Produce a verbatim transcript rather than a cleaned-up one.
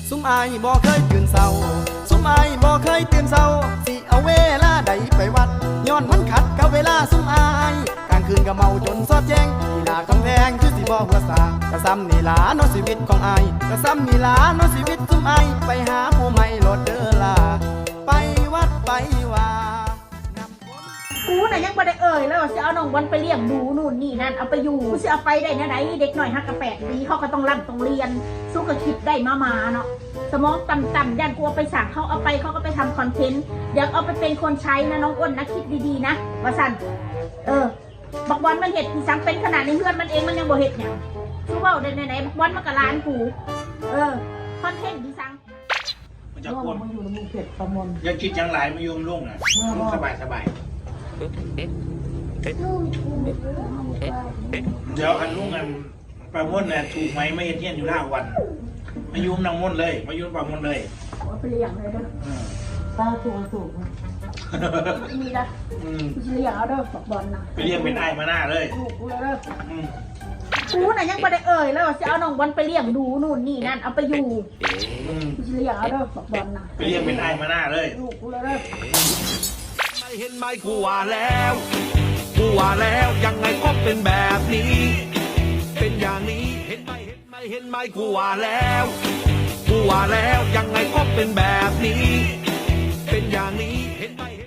สุมอายบ่เคยตื่นเศร้าสุมอายบ่เคยตื่นเศร้าสิเอาเวลาใดไปวัดย้อนมันขัดกับเวลาสุมอายกลางคืนก็เมาจนสอดแจ้งที่หน้าคำแพงคือสิบ่หัวสากระซ้ำนี่ล่ะเนาะชีวิตของอายกระซ้ำนี่ล่ะเนาะชีวิตสุมอายไปหาผู้ใหม่โลดเด้อล่ะไปวัดไปว่ากูน่ะยังไม่ได้เอ่ยแล้วว่าจะเอาน้องวันไปเลี้ยงดูนู่นนี่นั่นเอาไปอยู่จะเอาไปได้นะไหนเด็กหน่อยฮักกระแปดปีเขาก็ต้องร่ำต้องเรียนสู้กับคิดได้มามาเนาะสมองต่ำๆย่านกลัวไปสั่งเขาเอาไปเขาก็ไปทำคอนเทนต์อยากเอาไปเป็นคนใช้นะน้องอ้นนะคิดดีๆนะว่าสันเออบักบอลมันเห็ดที่สังเป็นขนาดในเพื่อนมันเองมันยังบ่เห็ดเนี่ยสู้ว่าในไหนบักบอลมันกับร้านกูเออคอนเทนต์ที่สังมันจะคนมันอยู่ในมือเผ็ดประมวลยังคิดยังหลายมายุ่งลุ่งอ่ะสบายสบายเดี๋ยวอันลุ่งอันปลาม่นเนี่ยถูกไหมไม่เห็นเที่ยนอยู่ล่าวันมายุ่งนางม่นเลยมายุ่งปลาม่นเลยเอาไปเลี้ยงเลยเด้อป้าถูกถูกมีนะกูเลี้ยงเอาเด้อบักบอลนะไปเลี้ยงเป็นไอ้มาหน้าเลยถูกกูเลยเด้อกูน่ะยังไม่ได้เอ่ยแล้วว่าจะเอาน้องบอลไปเลี้ยงดูนู่นนี่นั่นเอาไปอยู่กูเลี้ยงเอาเด้อบักบอลนะไปเลี้ยงเป็นไอ้มาหน้าเลยถูกกูเลยเด้อไม่เห็นไหมกูว่าแล้วกูว่าแล้วยังไงก็เป็นแบบนี้ เป็นอย่างนี้เห็นไหมเห็นไหมเห็นไหมกูว่าแล้วกูว่าแล้วยังไงก็เป็นแบบนี้ เป็นอย่างนี้เห็นไหม